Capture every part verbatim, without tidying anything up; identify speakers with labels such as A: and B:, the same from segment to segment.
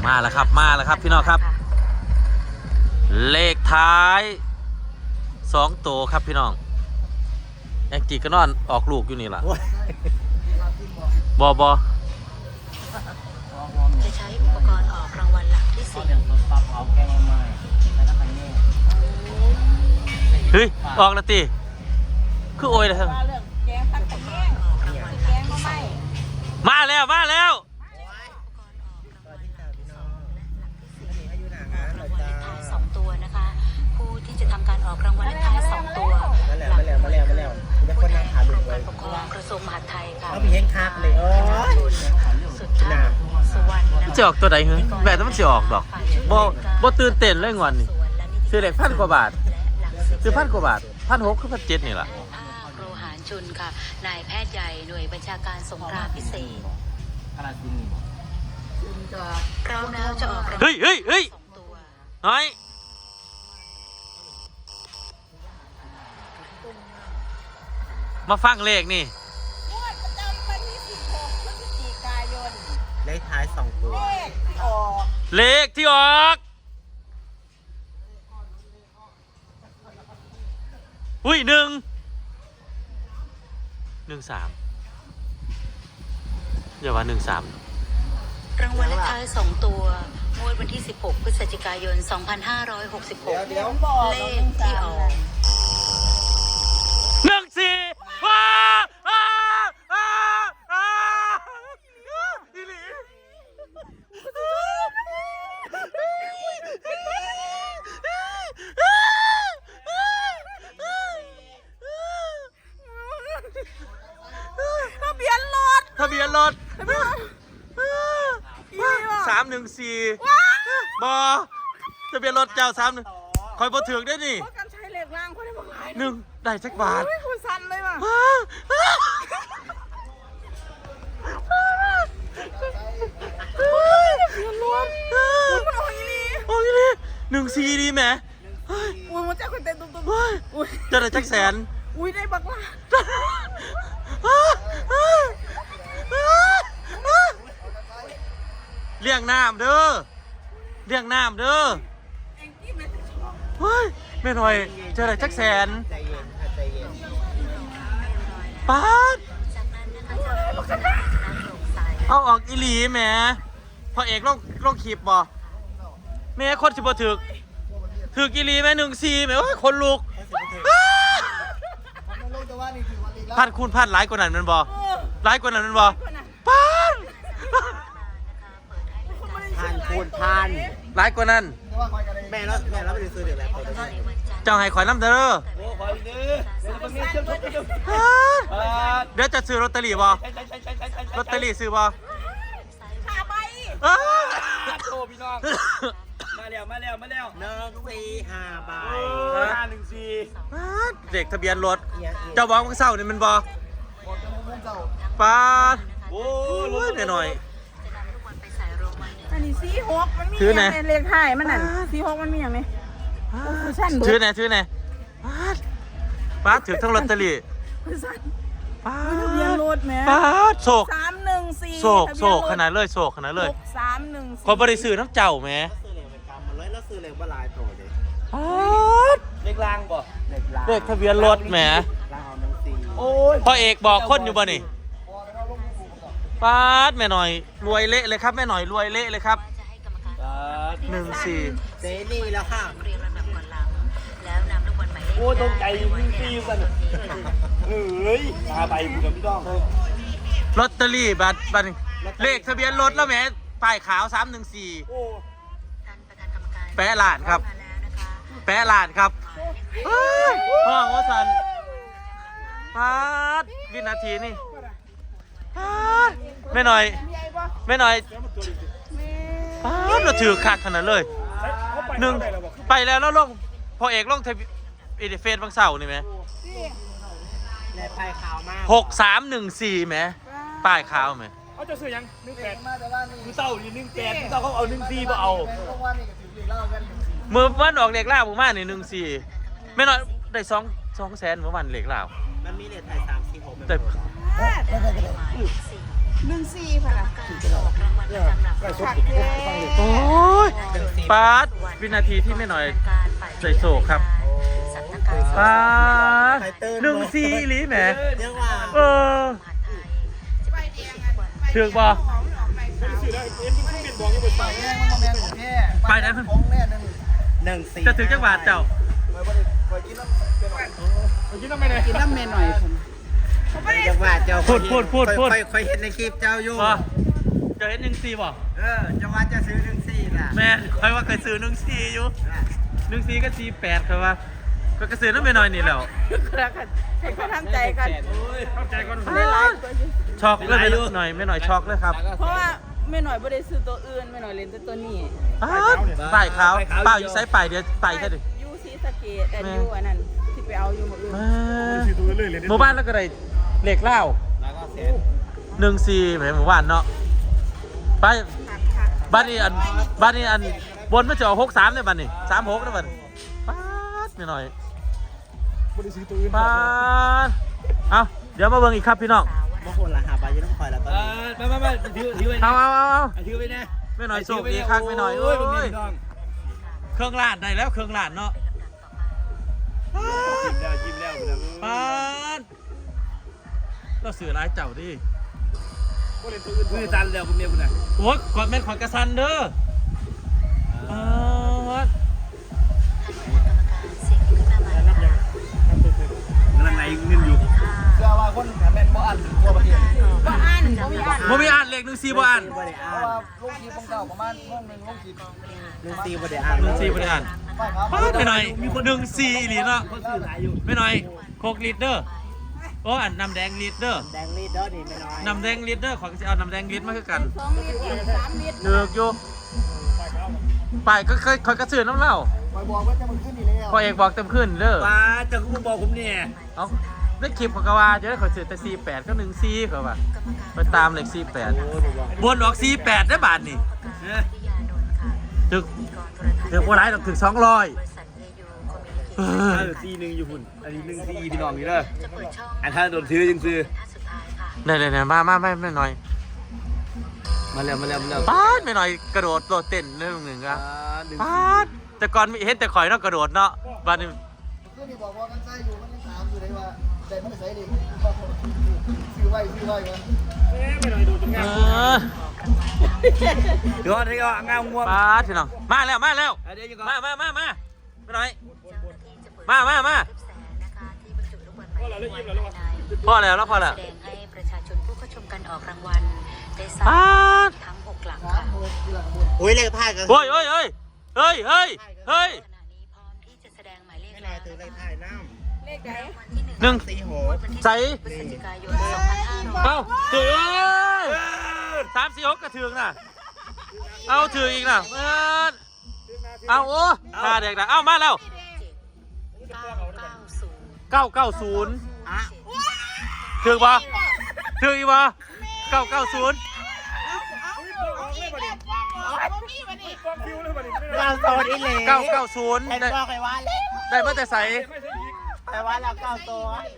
A: มาแล้วครับมาแล้วครับพี่น้องครับเลขท้ายสองตัวครับพี่น้องแองจีก็นอนออกลูกอยู่นี่ล่ะบอบอ
B: จะใช้อุปกรณ์ออกรางวัลหลักที่สี่
A: เฮ้ยออกแล้วตีคือโอยเลยครับมาแล้วมาแล้ว
B: สองตัวนะคะผู้ที่จะทำการออกรางวัลเลขท้ายสองตัว
C: มาแล้วมาแล้วมาแล้วมาแล้วจะคนนั่งขาลุกเลย
B: ปกครองกระทรวงมหาดไทยค่ะ
C: เขามีเฮงคักเลยโอ้ย
B: สุดท้ายสุวรรณ
A: จะออกตัวใดเหรอแบบนั้นมันจะออกดอกบ่บ่ตื่นเต้นเลยงวันนี้ซื้อเลขพันกว่าบาทซื้อพันกว่าบาทพันหกคือพันเจ็ดนี่แหละ
B: โรหารชุนค่ะนายแพทย์ใหญ่หน่วยบัญชาการสงครามพิเศษพร้อมแล้วจะออกรางวัล
A: เฮ้ยเฮ้ยเฮ้ย
B: สองตัว
A: เฮ้ยมาฟังเลขนี่
D: งวดประจำวันที่สิบหกพฤศจิกายน
C: เลขท้ายสองตัว
D: เลขที่ออก
A: เลขที่ออกอุ้ยหนึ่งหนึ่งสามอย่าว่าหนึ่งสาม
B: รางวัลเลขท้ายสองตัวงวดวันที่สิบหกพฤศจิกายนสองพันห้าร้อยหกสิบหก
D: เดี๋ยวบอก
B: เลขที่ออก
A: หนึ่งสี่ว้าอ้าอ้าอ้าอีหลี
D: ทะเบียนรถ
A: ทะเบียนรถสามหนึ่งสี่บอทะเบียนรถเจ้าสามหนึ่งคอยบอถึงได้นี่
D: เพราะการใช้เหล็กล่างคนได้บอกหลาย
A: หนึ่งได้สักบาท
D: คุณสั่นเลยว่ะทะเบียนรถมันออกอีลี
A: โอ้ยนี่หนึ่งสี่ดีไหม
D: อุ้ยมันจะคนเต้นตุ้มตุ้ม
A: อุ้ยจะได้จักแสน
D: อุ้ยได้บักล่า
A: เลี้ยงน้ำเด้อเลี้ยงน้ำเด้อเฮ้ยแม่หน่อยเจออะไรจักแสน
C: ใจเย็นค่ะใจเย็น
A: ป๊าด
B: จากนั้นนะคะจะโปร่งใส
A: เอาออกอีหลีแหมพอเอกลงลงขีบบ่แม่คนสิบ่ถึกถึกอีหลีแม่หนึ่งสี่แม่โอ้ยคนลุกพันคูณพันหลายกว่านั้นมันบ่หลายกว่านั้นมันบ่ป๊าด
C: ผ่านคูณผ่าน
A: หลายกว่านั้น
C: แม่แล้วแม่แล้วไปซื้อเดี๋ยวแล้ว
A: เจ้าให้ข่อยน้ำเด้อเดี๋ยวจะซื้อลอตเตอรี่บ่ลอตเตอรี่ซื้อบ่
D: ขาใบ
E: โตพี่น้องมาแล้วมาแล้วมาแล้ว
C: หนึ่งสี่ห้าใบ
E: ห้าหนึ่งสี่
A: เด็กทะเบียนรถเจ้าบอกว่าเศร้านี่มันบ่ป๊าดโอ้ยหน่อยหน่อย
D: อันนี้สี่หกมันมีอย่างในเลขท้ายมันนั่นสี่หกมันมีอย่างนี้
A: ชื่อไหนชื่อไหนป๊าดป๊าดถือทั้งลอตเตอรี่
D: ป๊าดทะเบียนรถแม่
A: ป๊าดโศก
D: สามหนึ่งสี่
A: โศกโศกขนาดเลยโศกขนาดเลย
D: สามหนึ่ง
A: ขอบริสื่อน้ำเจ้าแม่
C: แล้วซื้อเลขว่าลายโตเลย
A: ป๊าด
E: เล็กลางบ่
A: เด็กทะเบียนรถแหม
E: โอ้ย
A: พ่อเอกบอกคนอยู่บ่นี่ป๊าดแม่หน่อยรวยเละเลยครับแม่หน่อยรวยเละเลยครับหนึ่งสี่
C: เซนี่แล้วค่ะ
B: เรียงลำดับก่อนหลังแล้วนำลูกบอลหมายเลข
E: โอ้ตรงใจวิ่งตีกันเฮ้ยตาใบบุกพี่น้อง
A: ลอตเตอรี่บัตรบัตรเลขทะเบียนรถแล้วแหมป้ายขาวสามหนึ่งสี่แปะหลานครับแปะหลานครับห้องว่าสันพาดวินาทีนี่พาดไม่หน่อยไม่หน่อยพาดเราถือขาดขนาดเลยหนึ่งไปแล้วแล้วลงพอเอกลงเทวิเฟซบางเสาร์นี่ไหมหกสามหนึ่งสี่ไหมป้ายขาวไหม
E: เขาจะซื้อยังหนึ่งแปดมือเต้าอยู่หนึ่งแปดมือเต้าเขาเอาหนึ่งสี่มาเอา
A: มือวันออกเหล็กล่าผมมาเนี่ยหนึ่งสี่ไม่น้อยได้สองสองแสนเมื่อวันเหล็กล่า
C: มันมีเลขไทยสามสี่หก
A: แต่
D: หนึ่งสี่พะล่ะ
B: การออกรางวัลประจำหลักร้อย
D: คักแท้
A: โอ้ยปาดวินาทีที่ไม่หน่อยใส่โศกครับปาดหนึ่งซีอีหลีแหม
C: ยังว่า
A: เออถือกบ่ไปไหนมัน
C: หนึ่งสี่
A: จะถือจังหวัดเจ้า
D: กินน้ำเมนหน่อยผม
C: จังหวัดเจ้า
A: พูดพูดพูดพูด
C: ค่อยเห็นในคลิปเจ้าอยู่
A: บ่จะเห็นหนึ่งซีบ่
C: เออจังหวัดจะซื้อหนึ่งสี่ล่ะ
A: แม่คอยว่าเคยซื้อหนึ่งซีอยู่หนึ่งซีก็ซีแปดครับว่าก็กระซื้อน้ำไปหน่อยนี่แหล้ว
D: ให้เขาทำใจกัน
E: เข้าใจก่อน
D: ได้หลายตัวอยู่
A: ช็อกเลยไม่หน่อยไม่หน่อยช็อกเลยครับ
D: เพราะว่าไม่หน่อยบ่ได้ซื้อตัวอื่นไม่หน่อยเล่นแต่ตัวนี้
A: ป้ายขาวป้ายอยู่ไซส์ป้ายเดียวป้ายแค่ดิ
D: ยูซีสเกตแต่ยูอันนั้นที่ไปเอาอยู่หมดอื่น
E: สี่ตัวเลยเลย
A: หมู่บ้านแล้วก็ได้เหล็กเล่า
C: แล้วก็เซ็น
A: หนึ่งซีแหมหมู่บ้านเนาะไป
D: คักคัก
A: บ้านนี้อันบ้านนี้อันบนมันจะออกหกสามเลยบ้านนี้สามหกนะบ้านป้าดไม่หน่อย
E: บริษัทตัวอื่น
A: ป้าดเอาเดี๋ยวมาเบิ่งอีกครับพี่น้อง
C: บางคนละหาไปยังต้องคอยแล้วตอน
E: เอ
C: นี้
E: อมามามาถือถือไว้
A: เอาเอาเอาเอา
E: ถือไว้นะ
A: ไม่หน่อยโชคดีครับไม่หน่อยโอ้ยเครื่องลาดได้แล้วเครื่องลาดเนาะ
E: จิ้มแล้วจิ้มแล้ว
A: ป้าดเราสื่อร้ายเจ้าดิ
E: มือตันแล้วคุณเมียคุณน่ะ
A: โอ้ยกอดแม่นขอนกระซันเด้อป้าด
E: กำลังไหนเงินอยู่
C: เชื่อว่าคนแม่นบ่อันทั่วประเทศ
D: บ่อ่านบ่มีอ่าน
A: บ่มีอ่านเลขหนึ่งสี่บ่อ่าน
C: บ่ได้อ่าน
F: ลงคลิปของเก่าประมาณห้องหนึ่งลงคลิป
C: หนึ่งสี่บ่ได้อ่าน
A: หนึ่งสี่บ่ได้อ่าน
F: ป้ายครับ
A: ป้าดไม่หน่อยหนึ่งสี่อีหลีเนาะ
E: เขาซื้อหลายอยู่
A: ไม่หน่อยโคกลิตรเด้อโอ้อันน้ำแดงลิตรเด้อ
C: แดงลีดเดอร์นี่ไม่น้อย
A: น้ำแดงลิตรเด้อขอจะเอาน้ำแดงลิตรมาคือกัน
D: สองลิตรสามลิตร
A: เดือกอยู่ไปก็เคยคอยกระสือน้ำเหล้า
F: คอยบอกว่าจะมันขึ้นอีกแล้ว
A: พอเอกบอกเต็มขึ้นเด้อ
E: ป้าจะคุณบอกผมเนี่ย
A: เอาได้คลิปของกว่าเดี๋ยวขอสือแต่สี่แปดก็หนึ่งสี่เขาว่าไปตามเลขสี่แปดบนออกสี่แปดได้บาทนี่ถึกถึกว่าไรหรอกถึงสองร้อย
E: ซีหนึ่งอยู่หุ่นอันนี้หนึ่งซีพี่น้องนี่เด้ออันถ้าโดนซื้อจึงซื้อ
A: เนี่ยเนี่ยมามาไม่ไม่หน่อย
E: มาแล้วมาแล้วมาแล้ว
A: ป้าดไม่หน่อยกระโดดโดดเต้นเรื่องหนึ่งอะ
E: หนึ่ง
A: ป้าดแต่ก่อนมีเห็นแต่ข่อยเนาะกระโดดเนาะบ้านนี้
F: ก็มีบอกว่ากันใส่อยู่มันยังถามอยู่เลยว่าใจมันใส่ดิซื้อไว้ซื้อไว้กัน
E: ไม่หน่อยดูตรงงา
A: เอ
E: ม
A: อ
E: เดี๋ยวนี่ก็งามง่วง
A: ป้าดพี่น้องมาแล้วมาแล้ว
E: เดี๋ยวยังก็
A: มามามามาไม่หน่อยมามามาพอแล้วแล้วพอแล้ว
B: แสดงให้ประชาชนผู้เข้าชมการออกรางวัลได้ทรา
A: ป้า
B: บ
A: ด
B: ทั้งหกหลัก
F: สา
B: ค่ะ
F: มหมื่นที่หลังหมื่น
C: อุ้ยเลขท้ายกัน
A: เฮ้ยเฮ้ยเฮ้ยเฮ้ยเฮ้ยเฮ้ย
B: ขณะนี้พร้อมที่จะแสดงหมายเลข
C: ไม่น้
B: แล้
C: อยว ถือเล
B: นะ
C: ข
B: คะ
C: ท้ายน้
D: เลขไหน
A: หนึ่ง
C: ำสี่หก
A: ใส่
B: พฤศจิกายนสองพันห้าร้อย
A: เอ้าถือสามสี่หกกระถือน่ะเอาถืออีกน่ะเออเอาโอ้ตาเด็กนะเอามาแล้ว
B: เก้าเก้าศูนย์
A: เก้าเก้าศูนย์ถือปะถืออีกปะเก้าเก้าศูนย์
C: เราโซนอีเหล่
A: เก้าเก้าศูนย์
C: เห็น
A: ได้
C: บอกไอ้ว่าเลย
A: ได้มาแต่ใส่
C: ไอ้ว่าแล้วเก้าตัว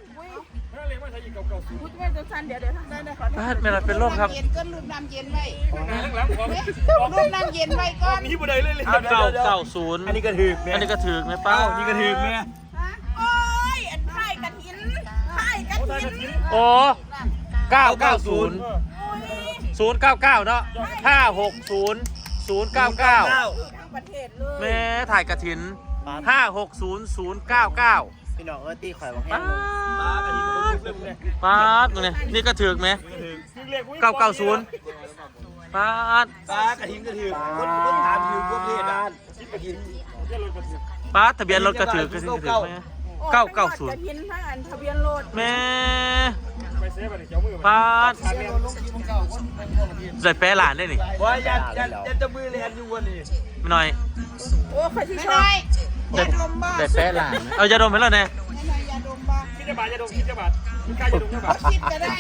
D: พูดไม่ตัวสั้นเดี๋ยวเดี๋ยวได้ได้ขอ
A: บ้านไม่ไรเป็นร่มครับ
D: เย็นก็รูปน้ำเย็นไว้
E: หลังของ
D: รูปน้ำเย็นไว้ก่อน
E: นี่บ่ได้เลยเลย
A: เก้าเก้าศูนย์
E: อันนี้ก็ถือ
A: อันนี้ก็ถือไหมป้า
E: เอ้านี่ก็ถือแม่
D: โอ้ยอันไข่กระถินไข่กระถิน
A: โอ้เก้าเก้าศูนย์ศูนย์เก้าเก้าเนาะห้าหกศูนย์ศูนย์เก้าเก้า
D: ทั้งประเทศเลย
A: แม่ถ่ายกระถินห้าหกศูนย์ศูนย์เก้าเก้า
C: พี่น้องเออตีข่อยบอกให้
A: ป้า
E: ป้าอันนี้มัน
A: ด
E: เริ่มเลย
A: ป้าดมึงเนี่ยนี่ก็ถือไหมเก้าเก้าศูนย์ป้าด
E: ป้ากระถิ่นกระถิ่นคนคนถามอยู่พวกเพศอ่ะคิดกระถิ่น
A: ป้าดทะเบียนรถก็ถือกระถินก็ถือไหมเก้าเก้าศูน
D: ก
A: ย์
D: ระถินทั้งอันทะเบียนรถ
A: แม่
E: ไปเซฟไปเจ้ามือ
A: ป้าด
F: เสียลงคลิปของเก่าคนเป็นทั่วประเทศ
A: ใส่แปะหลานได้นี่
E: ว่ายันยันยันจะมือเรียนอยู่วันนี้
A: ไม่หน่อย
D: โอ้ใครที่ชอบยาดมบ้า
A: ใส่แปะหลานเอายาดมให้เราเนี่ย
D: ไม่ใช่ยาดมบ้า
E: คิดจะบาทจะดมคิดจะบาทกล้าจะดมจะบาท
D: คิดก็ได้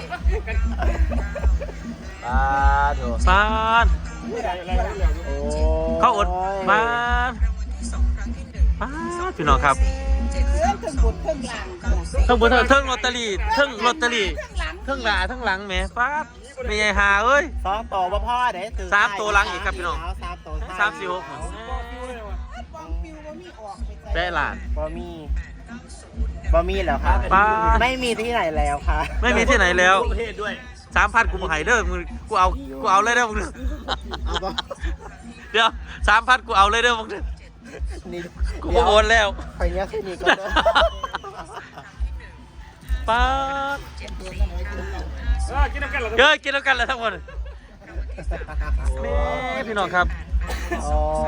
C: ป้าโถ
A: ป้าด
E: อะไรอะไรอะไร
C: โอ้
A: เข้าอดป้าดป้าดพี่น้องครับ
D: เรื่องถึงบุญถึงหลัง
A: ทั้งบนทั้งลอตเตอรี่ทั้งลอตเตอรี่ทั้งหลาทั้งหลังแหม่ป้าดไม่ใช่หาเอ้ย
C: สองตัวบ่พ่อเด้ถือ
A: สามตัวหลังอีกครับพี่น้อง
C: สามตัว
A: สามสี่หกแปะหลาน
C: บ่มีบ่มีแล้วค่ะ
A: ป้า
C: ไม่มีที่ไหนแล้วค่ะ
A: ไม่มีที่ไหนแล้ว
E: ประเทศด้วย
A: สามพันกูมาให้เด้อมึงกูเอากูเอาเลยเด้อมึง
C: เอาบ่
A: เดี๋ยวสามพันกูเอาเลยเด้อมึง
C: นี่
A: กูโอนแล้ว
C: ไปเนี้ยแค่นี้ก็ได้
A: ป้าด
E: เออกินน้ำกันเหรอ
A: เยอะกินแล้วกันเลยทั้งหมดแม่พี่น้องครับ
C: โอ้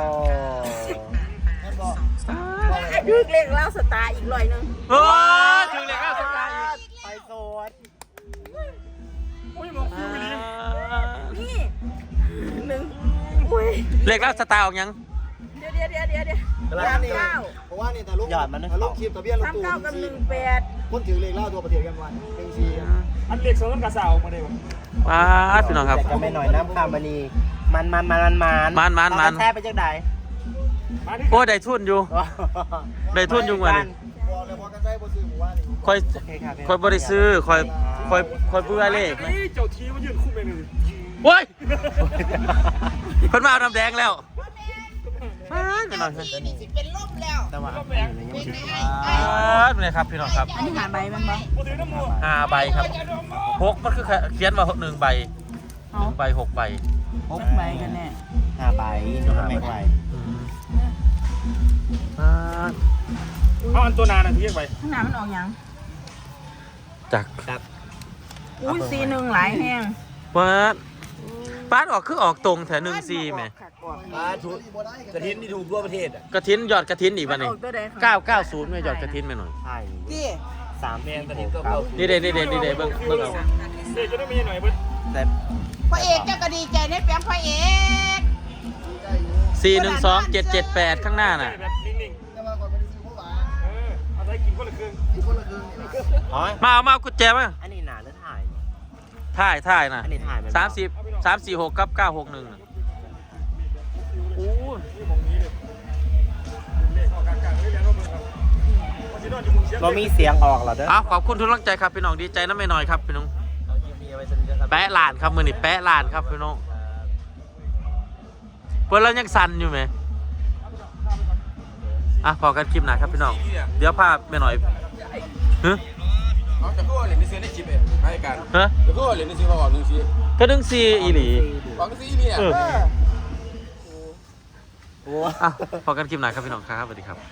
D: คือเลขเล่าสตาร์อีกร้อยหนึง
A: โอ้ยถึงเลยครับสกายอีก
C: ไปโซน
E: อุ้ยมองฟิวไปดิ
D: นี่หนึ่งอุ้ย
A: เลขแล้วสตาร์ออกยัง
D: เดี๋ยวเดี๋ยวเดี๋ยวเดี๋ยวเดี๋ยว
F: เพราะว่า
D: สาม
F: นี่
D: เก้า
F: เพราะว่านี่แต่ลูก
C: หยอดมันนะ
F: แต่ลูกคลิปทะเบียนรถ
D: สาม
F: ตู้
D: เก้ากับหนึ่งแปด
F: คนถือเลขเล่าตัวประเทศกันวันหนึ่งสี่
E: อันเล็กสองต้นกระสาวมาได้ปะ
A: ป้าดพี่น้องครับ
C: แต่ก็ไม่หน่อยน้ำคามณีมันมันมันมันมัน
A: มันมันมัน
C: เอาแท้ไปจังใด
E: มาที่
A: โอ้ยได้ทุนอยู่ ได้ทุนอยู่วันนี้
F: บอกเลยบอกกันได้บ่ซื้อหมู่บ้านนี่
A: คอย
C: โอเคครับ
A: คอยบริซื้อคอยคอยคอยเบื่อเลข
E: เฮ้ยเจ้าทีมันยืนคู่ไปเลย
A: โว้ยเพิ่นมาเอาน้ำแดงแล้วป้าดพี่น้องครับ
C: แต่ว่า
E: ก็แบก
A: ป้าดเลยครับพี่น้องครับ
D: อันนี้หาใบมันบ่
E: มาถือน้ำมัว
A: ห้าใบครับหกมันคือเขียนว่าหนึ่งใบห
D: เอา
A: นึ่งใบหกใบ
D: หกใบกันแน่
C: ห้าใบหนูไม่ไหว
A: อืมป้าด
E: เอาอันตัวนานอ่ะที่ไป
D: ข้างหน้ามันออกหยัง
A: จาก
C: ครับ
D: อุ้ยสี่หนึ่งหลายแห้ง
A: ป้าดป้าดออกคือออกตรงแถวหนึ่งซีไหม
F: อ่าถูกบ่ได้กัน
E: กระถินที่ถูกทั่วประเทศอ่ะ
A: กระถินยอดกระถินอีก
D: มั
A: วัน น
D: อ
A: นี้
D: อกตัวใด
A: เก้าเก้าศูนย์ไม่ยอดกระถินไปหน่อย
C: ใช่
D: นี่
C: สาม
E: แม
C: สี่
E: นกระ
C: ห
E: ถิน
C: ก
E: ก็
C: เก้า
E: เก้า
A: นี่เด้นี่เด้นี่เด้เบิ่งเบิ่งเอา
E: เด็กจะได้ไม่หน่อยเบิ้ล
C: แต่
D: พระเอกเจ้าก็ดีใจในแปลงพระเอก
A: สี่หนึ่งสองเจ็ดเจ็ดแปดข้างหน้าน่ะ
E: แบบนิ่ง
F: แต่ว่าก่อนไปซื้อเพราะว่า
E: ๆ เออเอาไปกินคนละครึ่ง
F: อีกคนละครึ่งนี่นะ
C: อ๋อ
A: มาเอามาเอากุญแจมา
C: อันนี้หนาหรือถ่าย
A: ถ่ายถ่ายน่ะ
C: อันนี้ถ่ายไหม
A: สามสิบสามสี่หกกับเก้าหกหนึ่งน่ะโอ้ย
E: นี่มองนี้เลยเลขออกกลางๆเลยแล้วก็มือครับวันที่นอนอยู่มุมเชียง
C: เรามีเสียงออกเหรอเด้อ
A: เอาขอบคุณทุกกำลังใจครับพี่น้องดีใจน้ำไม่น้อยครับพี่น้องแปะลานครับมือนี่แปะลานครับพี่น้องเพื่อนเรายังสั่นอยู่ไหมอ่ะพอกันคลิปหนาครับพี่น้องเดี๋ยวภาพไม่หน่อยฮะ
G: เอาแต่ก็เหรียญในซื้อในชิปเองให้กัน
A: ฮะ
G: แต่ก็เหรียญในซื้อมาออกหนึ่งชิป
A: ก็ดึงซีอีหลี
G: ออกซีเนี่ย
A: เออ
C: โอ้
A: อ่ะพอกันคลิปหนาครับพี่น้องครับสวัสดีครับ